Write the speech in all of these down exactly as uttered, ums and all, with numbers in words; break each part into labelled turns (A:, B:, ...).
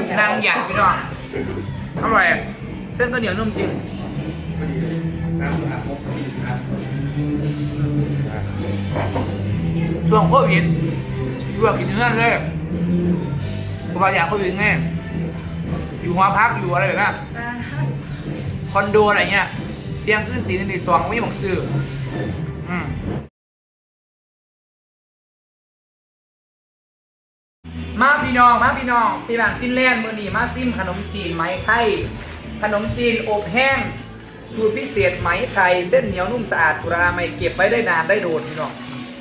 A: นางหยาดพี่น้องอร่อยเส้นก็เหนียวนุ่มจริงช่วงโควิดลวกกินเนื้อเลยเพราะว่าอยากโควิดไงอยู่หอพักอยู่อะไรแบบนั้นคอนโดอะไรเงี้ยเตียงขึ้นตีนตีสองไม่หมกซื้ออืมมาพี่น้องมาพี่น้องที่บ้านฟินแลนด์มื้อนี้มาซิมขนมจีนไหมไทยขนมจีนอบแห้งสูตรพิเศษไหมไทยเส้นเหนียวนุ่มสะอาดกุราไม่เก็บไว้ได้นานได้โดนพี่น้อง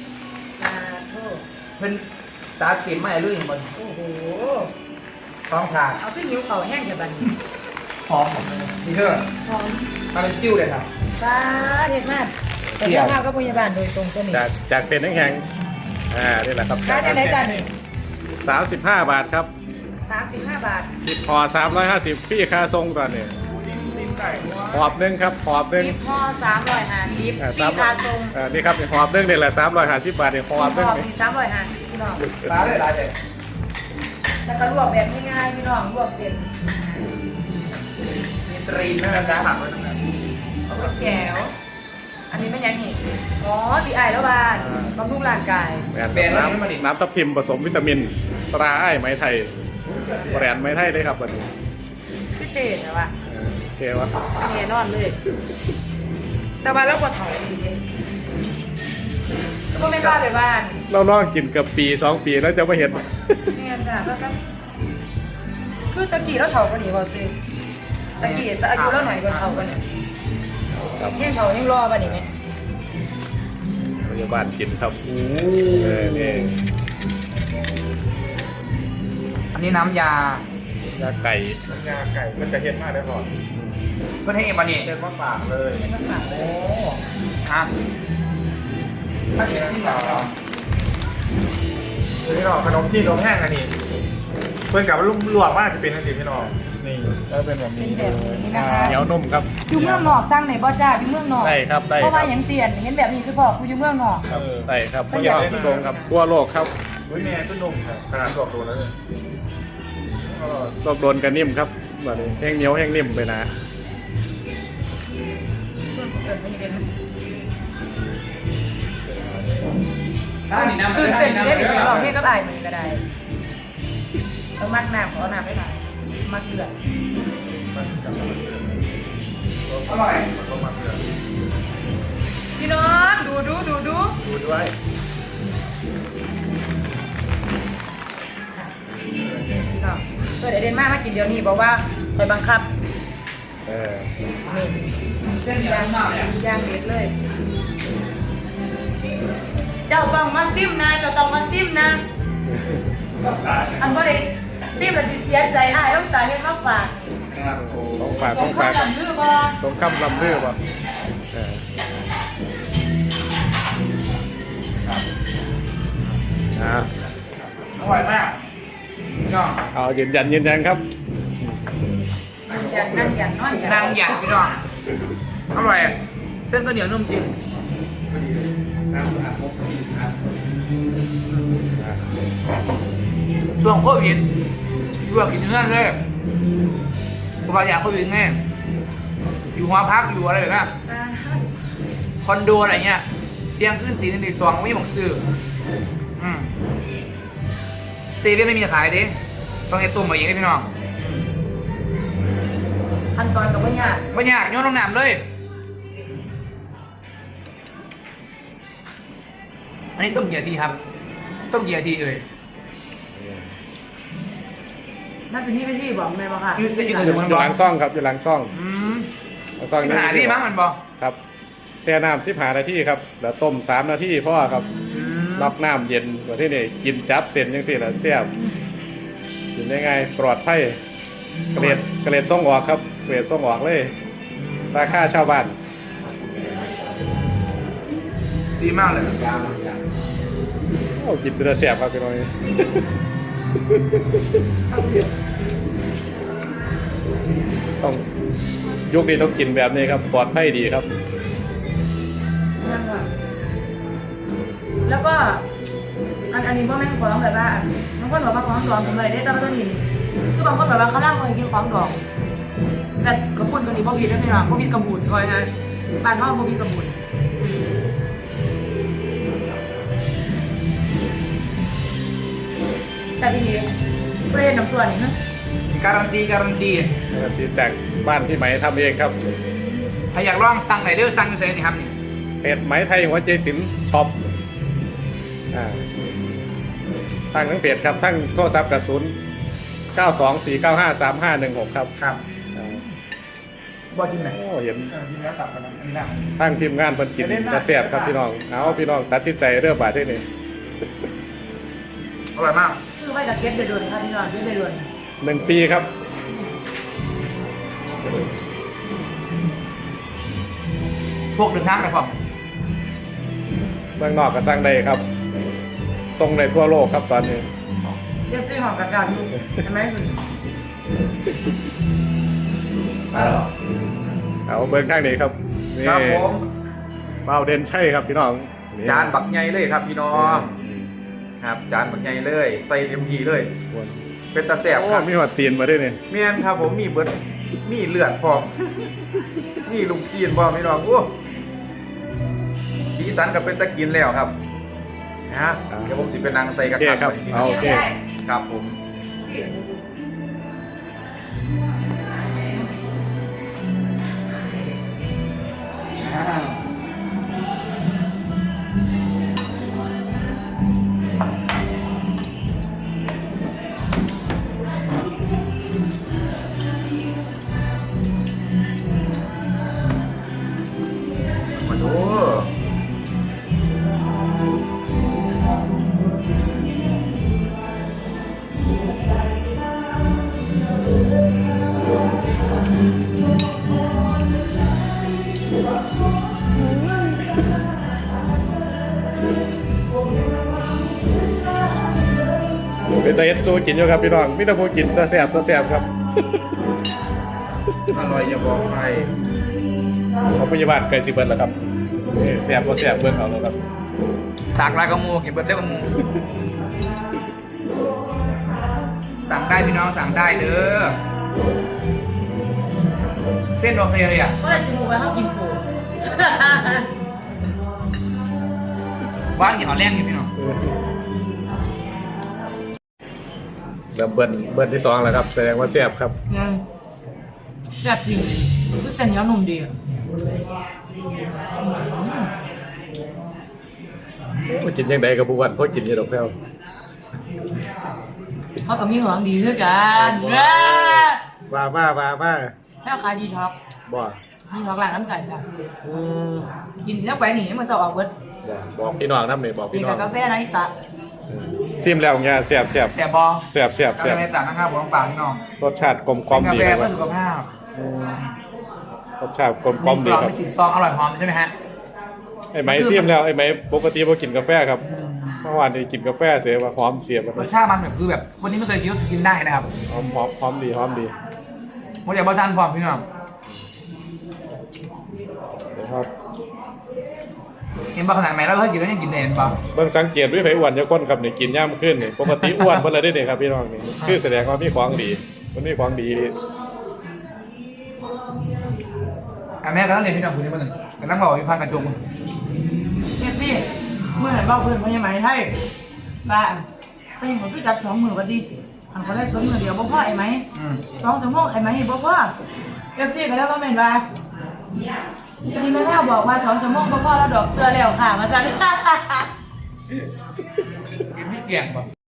A: เพิ่นตาเก็บไม่เรื่องมันโอ้โหท้องขาด
B: เอาขึ้นนิ้วเขาแห้งแค่บัน
A: หอมนี่เถอะ
B: หอม
A: มาเป็นจิ้วเลยครับ
B: ป้าเด็ดมากแต่เจ้าภาพก็พยาบาลโดยตรงตัวนี้
C: จากจากเส้นแข็งๆอ่านี่แหละครับ
B: ค่าจะได้จานนี่
C: สามสิบห้าบาทครับ
B: สามสิบห้าบาท
C: สิบห่อสามร้อยห้าสิบพี่ค่าทรงตอนนี้หอบหนึ่งครับหอบหนึ่ง
B: สิบห่อสามร้อยห้าสิบ
C: อ่า
B: ปีคาทรง
C: อ่านี่ครับหอบหนึ่งนี่แหละสามร้อยห้าสิบบาทเนี่ยหอบหนึ่ง
B: ห่อ
C: นี่
B: มีสามร้อยห้าสิบพี่น้อง
A: ร้านเลยร้านเลย
B: แล้วก็ลวกแบบง่ายๆพี่น้องลวกเสร็จ
A: มีตรีนนะครับจ้าผักไว้ตรงนั้น
B: เอาไปแก้วอันนี้ไม่ยังนี่อ๋อตีไอแล้วบานบำรุงร่างกาย
C: แบรนด์น้ำน้ำทับทิมผสมวิตามินตราไอ้ไหมไทยแบรนด์ไหมไทยเลยครับวันนี้
B: พิเศษนะวะ
C: เออโอเควะ
B: แน่นอนเลย แต่ว่าเราก็ถอยดีเลยก็ไม่กล้าไปบ้าน
C: เราลองกินเกับปีสองปีแล้วจะไม่เห็น
B: เนี่ยจ้ะแล้วก็คือตะกี้เราเท่ากันนี่บอสิตะกี้แต่อายุเราหน่อยกว่าเท่ากันเนี่ย
C: ครับ
B: ยังเท่ายังรอป่ะนี่ไหม
C: พยาบาลกินครับเออนี่
A: อันนี้น้ำยาย
C: าไก่
D: ยาไก่มันจะเห็นมากได้พอ
A: เพื่อนให้เอ็มบานี่
D: เห็นมาฝากเลย
B: ไม่ต้องฝากเล
A: โอ้
B: ย
A: ฮะถ้าเป็นซิ่งเหรอ
D: คือพี่น้องขนมจีนนมแห้งอันนี้เพื่อนกับว่าลวกว่าจะเป็นอันนี้พี่น้องนี่แล้วเป็นแบบนี้
B: เป็นแบบนี้นะคะ
C: เหนียวนุ่มครับ
B: อยู่เมืองนอกสร้างไหนบ่จ้าอยู่เมืองนอก
C: ได้ครับได้
B: เพราะ
C: ค
B: ว่า
C: รับ
B: อย่างเตียนเห็นแบบนี้คือพ่อกูอยู่เมืองนอก
D: ครับ
C: ได้ครับพยาบาลทรงครับทั่วโลกครับ
D: อุ้ยแม่ก็นมครับขนาดบอกตัวแล้วเนี่ย
C: โลกโดนกันนิ่มครับแบบนี้แห้งเหนียวแห้งนิ่มไปนะ
B: ส่วนเกิดไม่เป็น
A: ถ้าหนีน้ำ
B: ตื่น
A: ถ้าห
B: เต้น
A: นีน้ำ
B: เล่น
A: เล
B: เดี๋
A: ย
B: ยวเราเทศก็ได้เหมือนก็ได้ต้องมักน้ำขอน้ำไม่ได้มักเดือด
D: มันกับมันเดือด
A: อร่อย
D: มันก็มันเดือด
B: พี่น้องดูดูดูดู
D: ดูด้วย
B: พี่น้องเออเดี๋ยวเดนมามากินเดี๋ยวนี้บอกว่าคอยบังคับ
C: เออ
B: นี่
A: เส้นเหนียวนุ่มมากเลย
B: ย่างเด็ดเลย เจ้าต้องมาซิมนะเจ้าต้องมาซิมนะ อันก็ได้ซิมแล้วสิเสียใจอ้ายต้องสาเหตุมาฝาก
A: นะครับโอ้
C: ต้องฝาก
B: ข
C: ต้
B: อ
C: อง ง
B: ข้า
C: ฝาว ก
B: ดำดื้อบ่
C: ต้องคำลำเรือป่ะเอออ่า
A: อร่อยมากพี่น้อง
C: เอายืนยันยืนยันครับ
B: อย่างนั่งอย่างนอนอย่าง
A: นางหยาดพี่น้องอร่อยเส้นก็เหนียวนุ่มจริงช่วงโควิดลวกกินเนื้อเลยเพราะว่าอยากโควิดไงอยู่หอพักอยู่อะไรแบบนั้นคอนโดอะไรเงี้ยเตียงขึ้นตีนตีสองไม่หมกซื้ออืมเซเว่นไม่มีขายดิต้องให้ตุ่มมาเองเลยพี่น้อง
B: ขั้นตอนกับว่าเนี่ยาก
A: ไม่ยากโยนลงน้ำเลย อันนี้ต้มกี่นาทีครับ ต้มกี่นาทีเอ่ย
B: น่าจะนี่ไปที่บอกเลยบ่ค่ะ
A: อยู่อยู่
C: อ
A: ถึ
C: ยู่
A: งเมือง
C: อยู่
A: ร้อ
C: ห
A: น
C: ลังซ่องครับอยู่หลังซ่อง
A: อืม
C: หลังซ่อง
A: สิบหาที่มั้งมันบอก
C: ครับแช่น้ำสิบหานาทีครับแล้วต้มสามนาทีพ่อครับ
A: อืม
C: รับน้ำเย็นกว่าที่นี่กินจับเส้นยังสิละเสียบกินได้ไงปลอดภัยเกรดเกรดส่งออกครับเกรดส่งออกเลยราคาชาวบ้าน
A: ดีมากเลย
C: โอ้กินเป็นเสียบครับพี่น้อยต้องยุคนี้ต้องกินแบบนี้ครับปลอดภัยดีครับ
B: นั่นค่ะแล้วก็อันอันนี้พ่อแม่ขอร้องแบบว่าบางคนบอกว่าของปลอมผมเลยได้แต่ว่าตัวนี้คือแบบบางคนแบบว่าเขาล่ำเลยกินของดองแต่กระปุ่นตัวนี้พ่อพีดได้ไหมล่ะพ่อพีดกระบุนคอยไงบ้านพ่อพ่อพีดกระบุนแต่ทีนี้ประเด็นน้ำส่วนนี่ฮะ
A: การันตีการันตี
C: ที่จากบ้านพี่ไหมทำเองครับ
A: ใครอยากลองสั่งไหนเด้อสั่งเฉยๆนี่ครับนี่
C: เพจไหมไทยหัวใจศิลป์ช็อปอ่าทั้งทั้งเพจครับทั้งโทรศัพท์กระสุนเก้าสองสี่เก้าห้าสามห้าหนึ่งหกครับ
D: ครับ
C: อ่า
A: บอจิมไหน
C: โอ้เห็น
D: เออทีนี้ตัดกันนะอันนี้นะ
C: ทั้งทีมงานเพิ่นกินกระเสียบครับพี่น้องเอาพี่น้องตัดสินใจเรื่องบาทที่นี่
A: อร่อยมาก
B: ซื้อไว้กับเก็ตเดือนค่ะพี่น้องเก็ตเดือน
C: หนึ่งปีครับ
A: พวกเดินทางไปพร้อม
C: เมืองนอกก็สร้างได้ครับส่งได้ทั่วโลกครับตอนนี้
B: เก็ตซื้อหอมกระกันใช่ไหมคุณ
A: มาแล้ว
C: เอาเมืองทางนี้ครับนี่
D: ครับผม
C: เป้าเด่นใช่ครับพี่น้องนี่
D: จานบักใหญ่เลยครับพี่น้องครับจานบักใหญ่เลยใส่เต็มที่เลย เป็นตาแสบ
C: โอ้
D: ครับ
C: มีหัวตีนมาด้วยเนี่ย
D: เมียนครับผมมีเบิดมีเลือดพร้อม มีลูกซีนพร้อมพี่น้องโอ้สีสันกับเป็นตะกินแล้วครับนะฮะเดี๋ยวผมสิเป็นนางใส่ก
C: โอ
D: ระ
C: เค
D: ทะ
C: ครับ
D: ก่อนพี่น้
C: เอา
D: อง
C: โอเค
D: ครับผม มาดู
C: เป็นตาเอสซูกินอยู่ครับพี่น้องมิตรภูกินตาแสบตาแสบครับ
D: อร่อยอย่าบอกใคร
C: ของพยาบาลไกลสิเบิร์ดแล้วครับนี่แสบก็แสบเบิร์ดเอาแล้วครับ
A: สากลายกระมูกินเบิร์ดเด้อกระมูสั่งได้พี่น้องสั่งได้เด้อเส้นโอเคเลยอ่ะ
B: ก็เลยจะมูไปเขากินปู
A: ว่างอย่างเอาแรงอยู่พี่น้อง
C: เริ่มเบิร์นเบิร์นที่สองแล้วครับแสดงว่าแสบครับ
B: ยังแซ่บจริงคือเส้นเหนียวนุ่มดี
C: โอ้กินยังไงกับผู้วันเพราะกินอยี่ดอกแพ้ว
B: เขาก็มีหวังดีด้วยกัน
C: ว่ามาว่ามา
B: แค่ขายดีท็อก
C: บ่
B: ดีท็อกร้านน้ำใสจ้ะ
C: อืม
B: กินแล้วไปหนีมันจะออกเบิด
C: บ่บอกพี่น้องน้ำหนึ่งบอก
B: มี
C: พี่น้อ
B: แต่
C: ง
B: กาแฟนะอีตา
C: ซิมแล้วเนี่ยแสบแสบ
A: แซ่บบอ
C: แสบแสบ
A: กา
C: แสบ
A: แฟต่างนะครับผมฝากพี่น้อง
C: รสชาติกลมกล่อม
A: เป็น
C: ดี
A: กาแฟ
C: ครับ
A: เพื่อสุขภาพ
C: รสชาติกลมกล่อม
A: มี
C: ดี
A: กรอบ
C: ครับ
A: มีสีซองอร่อยหอมใช่ไหมฮะ
C: ไอ้ไหมซิมแล้วไอ้ไหมปกติพอกินกาแฟครับเมื่อวานนี้กินกาแฟเสียว่าหอมเสียแบบ
A: รสชาติมันแบบคือแบบคนที่ไม่เคยกินก็กินได้นะครับ
C: หอมหอมหอมดีหอมดี
A: โมเดลบอสันพร้อมพี่น้อง
C: นะครับ
A: เห็นบอขนาดไหนแล้วเคยกินแล้วยังกินได้เห็นปะ
C: เบิ่งสังเกตด้วยไผอ้วนจะก้นครับนี่กินย่ำขึ้นนี่ปกติอ้วนเพิ่นเลยได้นี่ครับพี่น้องนี่คือแสดงว่ามีของดีมันมีของดี
A: อ่ะแม่ก็ต้องเรียนพี่น้องคุณนี่มาหนึ่งแต่ต้องบอกวิพันธ์กระจุง
B: เนี่ยสิเมื่อไหร่บ้าเพื่อนพยาไหมให้บ้าไปยังก็จับสองมือก็ดีอันเขาได้สองมือเดียวบ่พ่อไอ้ไหม
A: อืม
B: สองสมองไอ้ไหมบ่พ่อเอฟซีก็แล้วก็เป็นว่าดีแม่แม่บอกว่าสองชั่วโมงบ่พ่อแล้วดอกเสื้อแล้วค่ะมาจ้ะ
A: กินไม่เกี่ยงปะ